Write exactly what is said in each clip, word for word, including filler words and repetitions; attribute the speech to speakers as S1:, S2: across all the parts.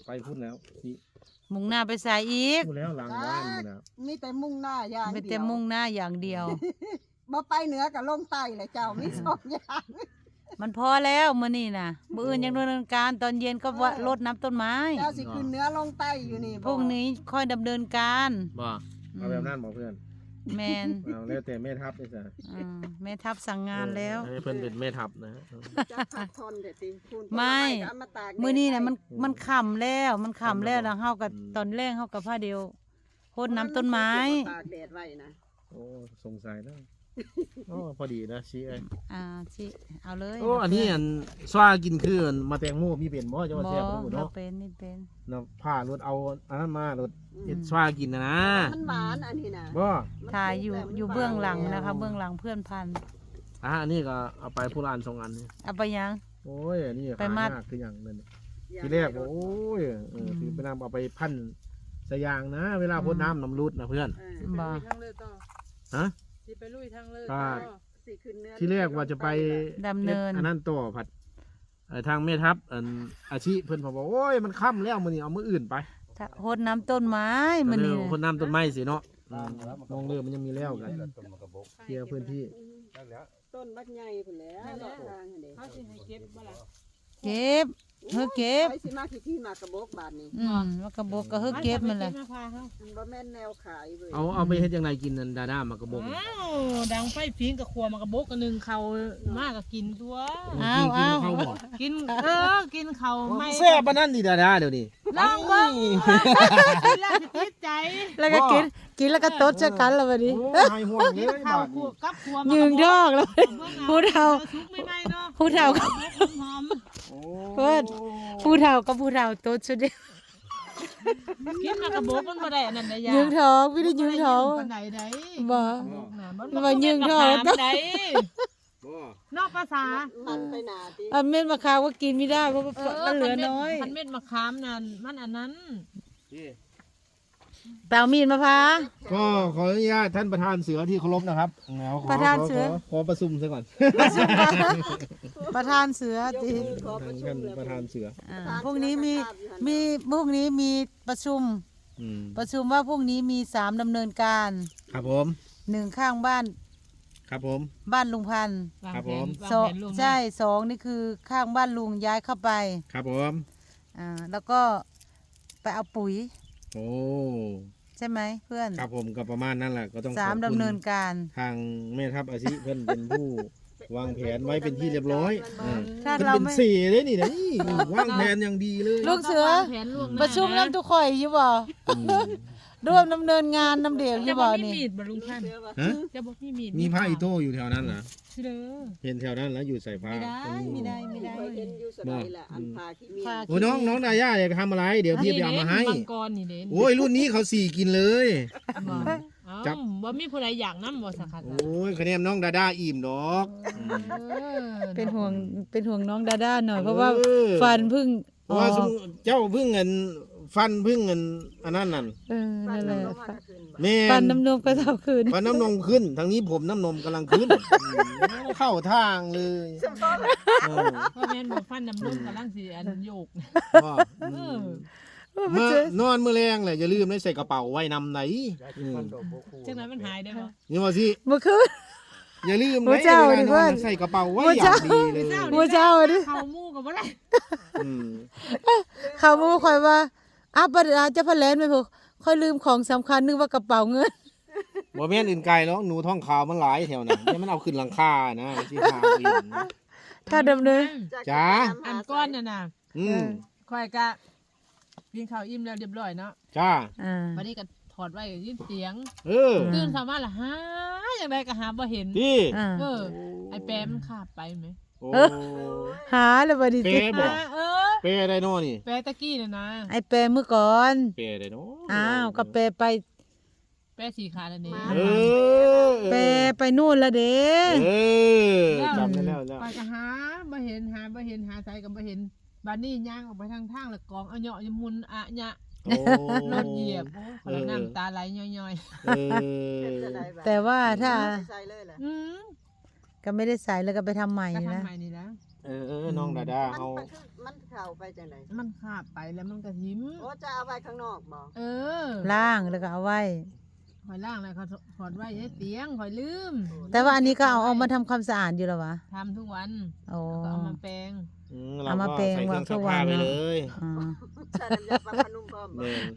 S1: ไปพุ่นแล้วนี่
S2: มุ่งหน้าไปสายอีก
S1: พูดแล้วหลังบ้านพุ่นแล้ว
S3: มีแต่มุ่งหน้าอย่าง
S2: ไม่
S3: เดี
S2: แต่
S3: ยว
S2: มุ่งหน้าอย่างเดียว
S3: บ่ไปเหนือกับลงใต้เลยเจ้ามีสองอย่าง
S2: มันพอแล้วมื้อนี้น่ะมื้ออื่นยังดำเนินการตอนเย็นก็ว่ารดน้ำต้นไม้
S3: เจ้าสิขึ้นเหนือลงใต้อยู่นี่
S2: พรุ่งนี้ค่อยดำเนินการ
S1: บ่เอาแบบนั้นบอกเพื่อน
S2: แมน
S1: เอาแล้วแต่แม่ทัพเลยจ้ะ
S2: อืมแม่ทัพสั่งงานแล้ว
S1: ให้เพื่อนเป็นแม่ทัพนะ
S3: จะพักทนเด็ดติคุณ
S2: ไม่
S3: เอาาตากแดด
S2: มื้อนี้น่ะมัน
S1: อืม
S2: มันค่ำแล้วมันค่ำแล้ว
S1: ค่ำแล้ว
S2: แล้วเฮากับ
S1: อืม
S2: ตอนแรกเฮากับผ้าเดียวโพดน้ำต้นไม้
S3: ตากแดดไว้นะ
S1: โอ้สงสัยแล้วโอ้พอดีนะชี้ไอ้
S2: อ่าสิเอาเลย
S1: โอ้อันนี้อันสว่ากินคืออันมาแตงโมมีเป็นบ่จะ
S2: บ่
S1: มาแซ่บบ่
S2: บ่
S1: เนาะ
S2: เป็นนี่เป็น
S1: เนาะผ้ารถเอาอันนั้นมารถ
S3: อืม
S1: เฮ็ดสว่ากินนะนะ
S3: มันหวานอันนี้นะ
S1: บ่
S2: ถ่ายอยู่อยู่เบื้องหลังนะคะ เบื้องหลังเพื่อนพัน
S1: อ่ะอันนี้ก็เอาไปผู้ร้านสองอันนี่
S2: เอาไปยัง
S1: โอ้ยอันนี้
S2: ไปมัด
S1: หายากคืออย่างนั้น ทีแรกบอกโอ้ยเออคือไปนำเอาไปพันสยางนะ เวลาพ่นน้ำน้ำรุดนะเพื่อน
S3: เออ
S2: บ่
S4: ทางเลือต่อ
S1: ฮะ
S4: สิไปลุยทางเลือ
S1: อ่า
S4: ต่อ
S3: สิขึ้นเหนือ
S1: ที่แรกว่าจะไป
S2: ดำเนิน
S1: อันนั้นต่อผัดเอ่อทางแม่ทัพอันอาชีเพื่อนบอกว่าโอ้ยมันค่ำแล้วมื้อนี้เอามื้ออื่นไป
S2: ถ้าโพดน้ำต้นไม้มื้อนี้
S1: เออ
S2: น่ะ
S1: พ่นน้ำต้นไม้สิเนาะอืมมองเรือมันยังมีแล้วกันเคลียร์พื้นที่
S3: ต้นบักใหญ่พุ่นแหล้วทางหั่นเด้
S4: เขาสิให้เก็บบ่ล่ะ
S2: เก็บเฮ้อเก็บ
S3: ไปสิมาที่ที่มากระบอกบาดนี้
S2: อืมมันก็บอกก็เฮ้อเก็บมันแหละ
S4: มาพาเขา
S3: มันบ่แม่นแนวขายเว้ย
S1: เอาเอาไปเฮ็ดยังไงกินนันดาด้ามากระบอก
S4: อ้าวดังไฟพิงกับครัวมากระบกกันหนึ่งเขามากก็กินตัว
S2: อ้าวอ้าว
S1: กินเข้าบ่
S4: กินเออกินเขาไม่
S1: แซ่บปานนั้นดิดาด้าเดี๋ยวนี้
S4: ลองเบิ่งกินแล้วสิติดใจ
S2: แล้วก็กินกินแล้วก็ตดเจอกันแล้ววันนี้
S1: โอ้ยหายห่วงเลย
S4: ข้าว
S1: บาด
S4: ครั
S1: นี้
S4: วกับครัว
S2: ยืนดอกแล้ว พูดเอา
S4: ชุกไม่ไหมเนาะ
S2: พูดเอา
S4: หอม
S1: โอ้
S2: เพิ่น ผู้เฒ่าก็ผู้เฒ่าตดสุดเดียว
S4: กินมากระบกมันบ่ได้อันนั้นได้ยา
S2: ยืงท้องไม่ได้ยืงท้อง
S4: ปานใดได้
S2: บ่
S4: มัน
S2: บ่ยืงท้อง
S4: ได้
S1: บ่
S4: นอกภาษา
S3: มันไปหนาติ
S2: อันเม็ดมะขามก็กินไม่ได้เพราะว่ามันเหลือน้อย
S4: พันเม็ดมะขามนั่นมันอันนั้น
S1: นี่
S2: เปล่ามีดมาพร้า
S1: ก็ขออนุญาตท่านประธานเสือที่เคารพนะครับแล้วขอ
S2: ประธานเสือ
S1: ขขอประชุมซะก่อน
S2: ประธานเสือย
S3: ก
S2: ติ
S3: มือขอประชุ
S1: ท่าม น
S3: เลย
S1: ประธานเสือ
S2: อ่าพรุ่งนี้มีมีพรุ่งนี้มีประชุม
S1: อืม
S2: ประชุมว่าพรุ่งนี้มีสามดำเนินการ
S1: ครับผม
S2: หนึ่งข้างบ้าน
S1: ครับผม
S2: บ้านลุงพันธุ์
S4: วาง
S1: ครับ
S4: แผ
S1: ผ
S4: น
S1: ม
S4: วาง
S2: สอง
S4: แผนล่วงหน้า
S2: ใช่สองนี่คือข้างบ้านลุงย้ายเข้าไป
S1: ครับผม
S2: อ่าแล้วก็ไปเอาปุ๋ย
S1: โอ้
S2: ใช่ไหมเพื่อน
S1: ครับผมก็ประมาณนั้นแหละก็ต้อง
S2: สาม
S1: ขอบคุณ
S2: ดำเนินการ
S1: ทางแม่ทัพอาชีเพิ่นเป็นผู้วางแผนไว้เป็นที่เรียบร้อยอืม
S2: ถ้า
S1: เพิ่น
S2: เรา
S1: เป็น
S2: ไม่
S1: สี่เลยนี่นะนี่วางแผนอย่างดีเลย
S2: ลูกเสือ
S4: วางแผนล่วงหน้า
S2: ประชุมน้ำทุกข่อยอยู่บ่
S1: อืม
S2: ร่วมดำเนินงานน้ำเดียวอ
S4: จะ
S2: ยู่
S4: บ
S2: บ่
S4: อกมี
S2: นี่
S4: มีดบ่ลุงพันธุ์
S1: ฮะ
S4: จะบอกมีมีด
S1: มีผ้าอีโต้อยู่แถวนั้นเหรอ
S4: สิเด้อ
S1: เห็นแถวนั้นแล้วอยู่ใส่ผ้า
S2: ไม่ได้ไม่ได้ไม่ได้
S3: เคยเห็นอยู่สมัยละอันพาขี้เมีย
S2: พา
S1: โอ้น้องน้องดาย่าอยากทำอะไร เดี๋ยวพี่ไปเอามาให้
S4: มังกรนี่เด่น
S1: โอ้ยรุ่นนี้เขาสี่กินเลย
S4: บ่
S1: จั
S4: จั
S1: บ
S4: บบ่มีผู้ใดอยากนํบ่สักคัน
S1: โอ้ยคะแนนน้องดาด้าอิ่มดอกอืม
S2: เป็นห่วงเป็นห่วงน้องดาด้าหน่อยเพราะว่า
S1: เออ
S2: ฟันเพึ่ง
S1: เพราะว่าสมเจ้าเพึ่งเงินฟันเพึ่งเงินอันนั้นนั่น
S2: เออ
S3: ฟัน
S2: นั่นแหละ
S3: น้ำนมมาขึ้นบ่
S1: แม่
S2: ฟัน
S1: น
S2: น้ำนมก็เท่าคืน
S1: ฟันน้ำนมขึ้นทางนี้ผมน้ำนมกำลังขึ้นอืมเข้าทางเลยเออ
S4: เพราะแม่นบ่ฟันน้ำนมกำลังสิอันโยก
S1: ว่า
S4: เอ
S1: อื
S4: อ
S1: ม เมื่อนอนมื้อแรงเลยอย่าลืมได้ใส่กระเป๋าไว้นำไหนอืม
S4: จังไดมันหายได้บ่
S1: นี่ว่าสิ
S2: เมื่อคืน
S1: อย่าลืม
S2: โอ้
S1: นะ
S2: เจ้า
S1: เวลา
S2: ดิ
S1: น
S2: เพื่
S1: อ
S2: อน
S1: นใส่กระเป๋าไว้
S2: โอ้
S1: อย่า
S2: เจ้า
S1: งดีเลย
S2: หัวเจ้าดิ
S4: เข้าหมู่ก็บ่ได้
S1: อืม
S2: เขามาคอยว่าอ้าวประเดี๋ยวจะพะเลนไปพวกค่อยลืมของสำคัญนึกว่ากระเป๋าเงิน
S1: บ่แม่นอื่นไกลแล้วหนูท้องขาวมันหลายแถวนั้นแต่มันเอาขึ้นหลังคานะสิพาไปเห็นนะ
S2: ถ้าดำเนิน
S1: จ๋า
S4: อันก้อนน่ะน่ะ
S1: อืม
S4: ข่อยก็กินข้าวอิ่มแล้วเรียบร้อยเนาะ
S1: จ้า
S2: อ่า
S4: บัดนี้ก็ถอดไว้ยินเสียง
S1: เออ
S4: ตื่นเช้ามาล่ะหาจังไดก็หาบ่เห็น
S1: พี่
S2: อ่า
S4: เออ ไอ้แปมมันขาบไปไหม
S1: โอ้
S2: เออ หาแล้วบัดนี้
S1: เป
S2: ติ
S1: ย์บอก
S4: อ่าเออ
S1: เปย์ไดโน่นี่
S4: แปตะกี้น่ะนะ
S2: ไอ้แปรเมื่อก่อน
S1: เปย์ไดโน่
S2: อ้าวก็แปรไป
S4: แปะสีขาแล้วนี่
S1: เออ
S2: แปรไปนู่นละเด้
S1: เออจำได้แล้วแล้ว
S4: ไปก็หาบ่เห็นหาบ่เห็นหาไสก็บ่เห็นบัดนี้ย่างออกไปทางทางแล้วกองเอาเหยาะยมุนอะยะ
S1: โอ้
S4: รถเหยียบโอ้ขอน้ำตาไหลย่อย
S1: เออ
S2: แต่ว่าถ้า
S3: ใส่เลยแหละ
S4: ๆอืม
S2: ก็ไม่ได้ใส่แล้วก็ไปทำใหม่
S4: ก็
S2: นะ
S4: ทำใหม่นี่แล้ว
S1: อเออเออน้องดาดา
S3: มัน
S1: เฮา
S3: มันคือมันเข้าไปจังได๋
S4: มันขาบไปแล้วมันก็หิม
S3: โอ้จะเอาไว้ข้างนอกบ่
S4: เออ
S2: ล่างแล้วก็เอาไว้
S4: คอยล่างแล้วเขาถอดไว้ให้เตียงคอยลืม
S2: แต่ว่าอันนี้ก็เอาออกมาทำความสะอาดอยู่แล้ววะ
S4: ทำทุกวัน
S2: โอ้
S4: แล้วก็เอามาแปรง
S1: อืมเรา
S2: เอามา
S1: ก็
S2: แปลง
S1: ใส่เครื่อง
S2: วางทุ
S1: ซั
S2: ก
S1: ก
S2: วั
S1: ผ้าน ไป
S2: เนอะ
S1: เลย
S2: อ่า
S3: ใส่น้ำยาปลาพนุ่มพร้อมบ่
S1: แม่น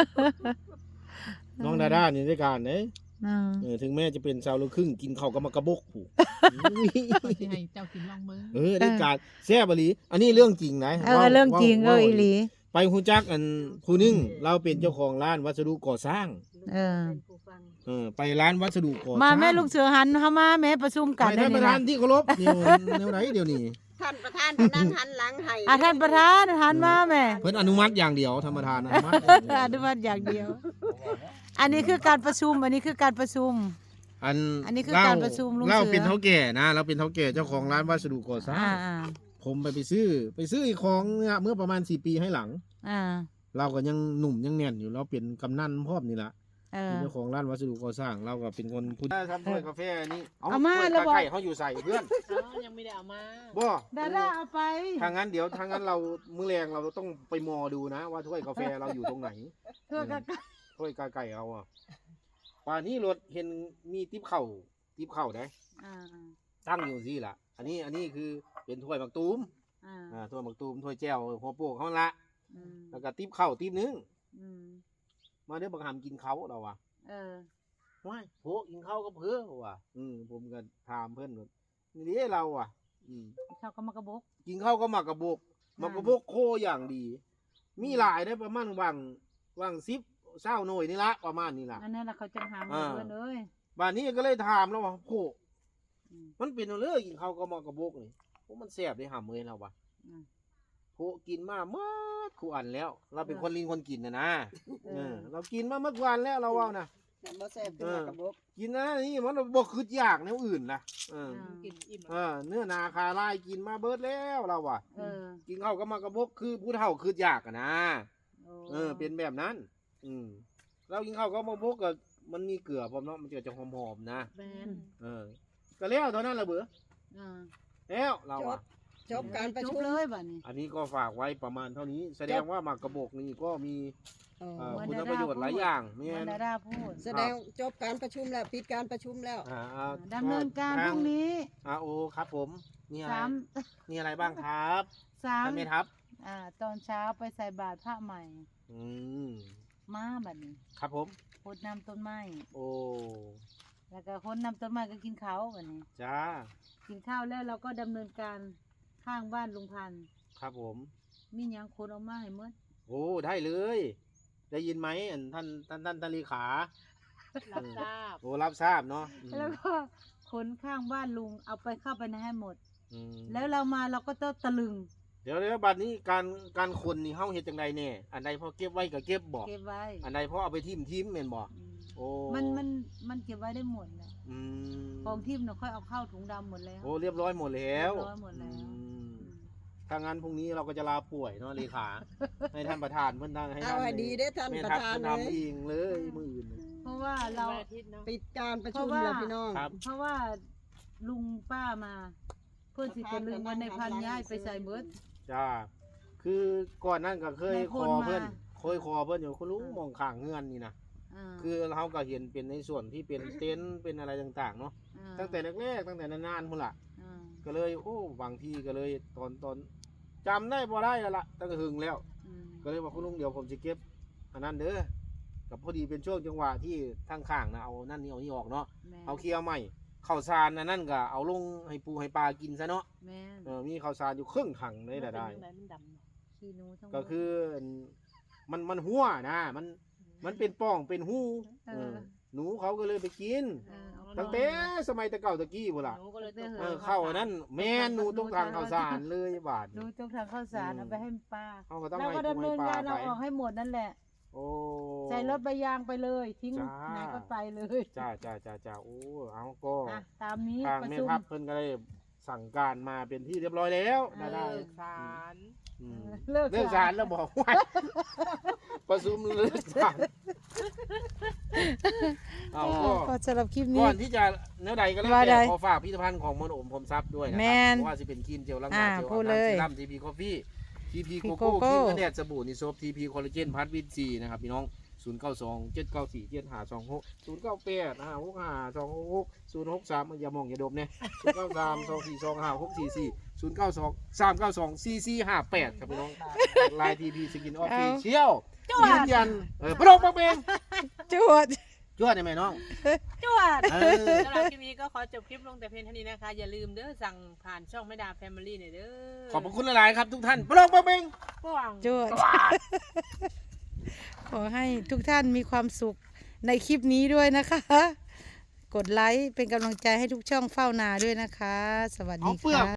S1: น้องดาดานี่ด้วยกันเด้
S2: อ่า
S1: เออถึงแม้จะเป็นชาวลูกครึ่งกินข้าวกับมากระบกผู้
S4: คอยสิให้เจ้ากินลองเบิ่ง
S1: เออได้การแซ่บอีหลีอันนี้เรื่องจริงนะ
S2: เออเรื่องจริงเอออีหลี
S1: ไปฮู้จักอันผู้หนึงเราเป็นเจ้าของร้านวัสดุก่อสร้าง
S2: เออ
S3: เป็นผู้ฟัง
S1: เออไปร้านวัสดุก่อสร้าง
S2: มาแม่ลูกเสือหันเข้ามาแม่ประชุมกัน
S1: ไป
S2: ได้
S1: ท่านป
S2: นี่
S1: ระธา
S2: นะ
S1: นที่เคารพนี่แนวไหนเดี๋ยวนี้
S3: ท่านประธานที่นั่งหันหลังให้
S2: อ่ะท่านประธานหันมาแม่
S1: เพิ่นอนุมัติอย่างเดียวธรรมทานอนุมัติ
S2: อนุมัติอย่างเดียว อันนี้คือการประชุม อันนี้คือการประชุม
S1: อัน
S2: อันนี้คือการประชุมลุงเสือ
S1: เราเป็นเท่าแก่นะ เราเป็นเท่าแก่เจ้าของร้านวัสดุก่อสร้าง
S2: อ่าอ่า
S1: ผมไปไปซื้อ ไปซื้ออีกของเนี่ยเมื่อประมาณสี่ปีให้หลัง
S2: อ่า
S1: เราก็ยังหนุ่มยังแน่นอยู่เราเป็นกำนันพร้อมนี่ละ
S2: เออ
S1: เป็นเจ้าของร้านวัสดุก่อสร้าง เราก็เป็นคนพูดทำถ้วยกาแฟนี่
S2: เอามา
S1: ถ้วย
S2: แล้วบอก
S1: ไก่เขาอยู่ใส่เพื่อน
S4: เอ้ายังไม่ได้เอามา
S1: บ่
S2: ดาด้าเอาไป
S1: ทางนั้นเดี๋ยวทางนั้นเรามื้อแรงเราต้องไปมอดูนะ ว่าถ้วยกาแฟเราอยู่ตรงไหน
S2: เพื่อกัน
S1: ถ้วยกาไก่เอาอ่ะป่านนี้รถเห็นมีติ๊บเข่าติ๊บเข่าได้
S2: อ่า
S1: ตั้งอยู่สิล่ะ อันนี้อันนี้คือเป็นถ้วยหมักตูม
S2: อ่า
S1: อ่าถ้วยหมักตูมถ้วยแจ่วหัวโปกเขาละ
S2: อืม
S1: แล้วก็ติ๊บเข่าติ๊บนึง
S2: อืม
S1: มาเดี๋ยวบังหามกินเขาเราว่ะ
S2: เออ
S1: ว้ายโผกินข้าวก็เพื่อว่ะอืมผมก็ถามเพื่อนว่านี่เด้เราอ่ะ อืม
S2: เขาก็มากระบก
S1: กินข้าวก็หมักกระบกหมักกระบกโคอย่างดี มีหลายได้ประมาณวังวังซิปเศร้าหน่อยนี่ละประมาณนี้ล่ะ
S2: อันนั้นน่ะเขาจะหาเงิ
S1: อ่า
S2: นเพื่อนเลย
S1: บ้านนี้ก็เลยถามแล้วว่าโค
S2: อืม
S1: มันเป็นเอาเลยกินข้าวก็หมักกระบกนี่โอ้มันแซ่บได้หำเลยเราว่ะ
S2: อืม
S1: โคกินมาเมื่อคู่อันแล้ว เราเป็นคนลิงคนกินนะนะ
S2: เอ
S1: เอ
S2: อ
S1: อเรากินมาเมื่อวันแล้วเราว่านะ
S3: บ่แซ่บขึ้นมากระบอก
S1: กินนะนี่มันบ่คืออยากแนวอื่นนะเออ
S4: กินอิ่ม
S1: เออเนื้อนาคาลายกินมาเบิดแล้วเราว่ะ
S2: เออ
S1: กินข้าวก็มากระบกคือผู้เฒ่าคืออยากอะนะ
S2: โอ้
S1: เออเป็นแบบนั้น อืมเรากินข้าวก็มาบกก็มันมีเกลือพร้อมเนาะมันจะจะหอมๆนะ
S2: แมน
S1: เออก็แล้วเท่านั้นละเบื่อ
S2: อ่า
S1: แล้วเราอ่ะ
S3: จบการประ
S2: จ
S3: ชุ
S2: บ
S3: ม
S2: เลยบัดนี้
S1: อันนี้ก็ฝากไว้ประมาณเท่านี้ แสดงว่ามากระบอกนี่ก็มี
S3: เออ
S1: เอ่อ
S2: เหมือน
S1: คุณ
S2: ดารา
S1: ประโยชน์หลายอย่าง
S2: เห
S1: เนี่
S2: มื
S1: ย
S2: อนดาดาพูด
S3: แสดงจบการประชุมแล้วปิดการประชุมแล้ว
S1: อ่าอ่า
S2: ดำเนินการพรุ่งนี้
S1: อ่าโอครับผมนี่อะไร
S2: สาม
S1: นี่อะไรบ้างครับ
S2: สาม
S1: ท่านแม่ทัพ
S2: อ่า ตอนเช้าไปใส่บาตรพระใหม่
S1: อืม
S2: มาบัดนี้
S1: ครับผม
S2: พดน้ำต้นไม้
S1: โอ้
S2: แล้วก็คนน้ำต้นไม้ก็กินข้าวบัดนี้
S1: จ้า
S2: กินข้าวแล้วเราก็ดำเนินการข้างบ้านลุงพันธุ์
S1: ครับผม
S2: มีหยังคนเอามาให้หมด
S1: โอ้ได้เลย ได้ยินไหมอันท่านท่านท่านท่านเลขา
S4: รับทราบ
S1: โอ้รับทราบเนาะอืม
S2: แล้วก็คนข้างบ้านลุงเอาไปเข้าไปในให้หมด
S1: อืม
S2: แล้วเรามาเราก็ต้องตะลึง
S1: เดี๋ยวเดี๋ยวบัดนี้การการคนนี่เฮาเฮ็ดจังไดแน่อันใดพอเก็บไว้ก็เก็บบ่
S2: เก็บไว้
S1: อันใดพอเอาไปทิ่มทิ่มแม่นบ่
S2: อืม
S1: โอ้
S2: มันมันมันเก็บไว้ได้หมดนะ
S1: อืม
S2: ของทิมเนาะค่อยเอาเข้าถุงดำหมดแล้ว
S1: โอ้เรียบร้อยหมดแล้ว
S2: เรียบร้อยหมดแล้ว
S1: อืมถ้างั้นพรุ่งนี้เราก็จะลาป่วยเนาะเลขา ให้ท่านประธานเพิ่นตั้งให้
S3: เอาให้ดีได้อท่าน
S1: แม่
S3: ประ
S1: ทัพ
S3: ธาน
S1: เพิ่น
S3: เล
S1: ทำ
S3: ย
S1: เองเลยมื้ออื่น
S2: เพราะว่าเรา
S4: วันอาทิตย์เนาะ
S3: ปิดการประชุม
S2: เพราะว่า
S3: แล้วพี่น้อง
S1: ครับ
S2: เพราะว่าลุงป้ามา เพื่อนสิตะลึงวันในพันย้ายไปใส่เบิด
S1: จ้า คือก่อนนั้นก็เคย
S2: ใน
S1: ข
S2: คน
S1: อ
S2: มา
S1: เพิ่นเคยขอเพิ่นอยู่คุณลุงมองข้างเฮือนนี่นะ
S2: อ่า
S1: คือเราก็เห็นเป็นในส่วนที่เป็นเต็นท์เป็นอะไรต่างๆเนาะ
S2: า
S1: ตั้งแต่แรกๆตั้งแต่นานๆพุ่นล่ะ
S2: อ่า
S1: ก็เลยโอ้บางทีก็เลยตอนตอนจำได้บ่ได้แล้วล่ะตั้งแต่หึงแล้ว
S2: อืม
S1: ก็เลยว่าคุณลุงเดี๋ยวผมจะเก็บอันนั้นเด้อกับพอดีเป็นช่วงจังหวะที่ทางข้างนะเอานั่นนี่เอานี่ออกเนาะ
S2: แม่
S1: เอาเคลียร์ใหม่ข้าวสารอันนั่นก็เอาลงให้ปูให้ปลากินซะเนาะ
S2: แม่น
S1: เออมีข้าวสารอยู่ครึ่งถังเลยได้ได้
S4: มันเป็นยังงมันดำเนาะ
S2: ขี้หนูทั้งหมด
S1: ก็คือมันมันหัวนะมันมันเป็นป่องเป็นหู
S2: เอ
S1: เอ
S2: อ
S1: อหนูเขาก็เลยไปกิน
S2: เออเอา
S1: ตั้งแต่สมัยตะเก่าตะกี้พุ่นล่ะ
S4: หนูก็เลยตก
S1: เออเข้าอันนั้นแม่นหนูต้องทางข้าวสารเลยบาท
S2: หนูต้องทางข้าวสารเอาไปให้ป้า
S1: เขาก็ต้อง
S2: เรา
S1: ให้
S2: ก็
S1: ปู
S2: ดำเนิ
S1: ให้
S2: น
S1: ปลา
S2: การ
S1: ไป
S2: เอาออกให้หมดนั่นแหละ
S1: โอ้
S2: ใส่รถใบยางไปเลย ทิ้ง
S1: จ้า
S2: ไหนก็ไปเลย
S1: จ้าจ้าจ้าจ้าโอ้เอาก็
S2: อ่ะตามนี้
S1: ทาง
S2: ประ
S1: แม่
S2: ชุม
S1: ทัพเพิ่นก็ได้สั่งการมาเป็นที่เรียบร้อยแล้ว
S2: เออ
S1: ได้ได้
S4: เลิกสาร
S1: อืม
S2: เลิก
S1: เลิกสารแล้วบอกว่า ประชุมเลิกสารเอา
S2: เอ
S1: ก็
S2: อก็สำหรับคลิป
S1: ก่
S2: นี้
S1: อนที่จะเนื้อใดก็แล้ว
S2: ว่าใด
S1: แต่ขอฝากพิพิธภัณฑ์ของมนต์โอมพรหมทรัพย์ด้วยนะครั
S2: แม่น
S1: เพราะว่าจะเป็นครีมเจลล้างห
S2: อ่า
S1: น้าเจล
S2: พู
S1: อา
S2: ด
S1: บ
S2: เลย
S1: น้ำซีรั่มทีพีคอฟฟี่ทีพี
S2: ที
S1: โก
S2: โก
S1: โก้
S2: โก้
S1: ครีมกันแดดสบู่นิโซฟทีพีคอลลาเจนพัทวิตซีนะครับพี่น้องศูนย์เก้าสองเจ็ดเก้าสี่เจ็ดห้าสองหกศูนย์เก้าแปดห้าหกห้าสองหกศูนย์หกสามอย่ามองอย่าดมเนี่ยศูนย์เก้าสามสองสี่สองห้าหกสี่สี่ศูนย์เก้าสองสามเก้าสองสี่สี่ห้าแปดครับพี่น้องไลน์ทีพีสกินออฟฟิเชียลยืนยันเออประดงประเบง
S2: จวด
S1: ช่วยได้ไหมน้อง
S4: จวด
S1: เออ
S4: สำหรับคลิปนี้ก็ขอจบคลิปลงแต่เพียงเท่านี้นะคะ อย่าลืมเด้อสั่งผ่านช่องแม่ดาแฟมิลี่หน่อยเด้อ
S1: ขอบพระคุณหลายๆครับทุกท่านประดงประเบง
S4: ระหว่าง
S2: จวด ขอให้ทุกท่านมีความสุขในคลิปนี้ด้วยนะคะ กดไลค์เป็นกำลังใจให้ทุกช่องเฝ้านาด้วยนะคะ สวัสดี
S1: เอาเปลือก
S2: ค่ะ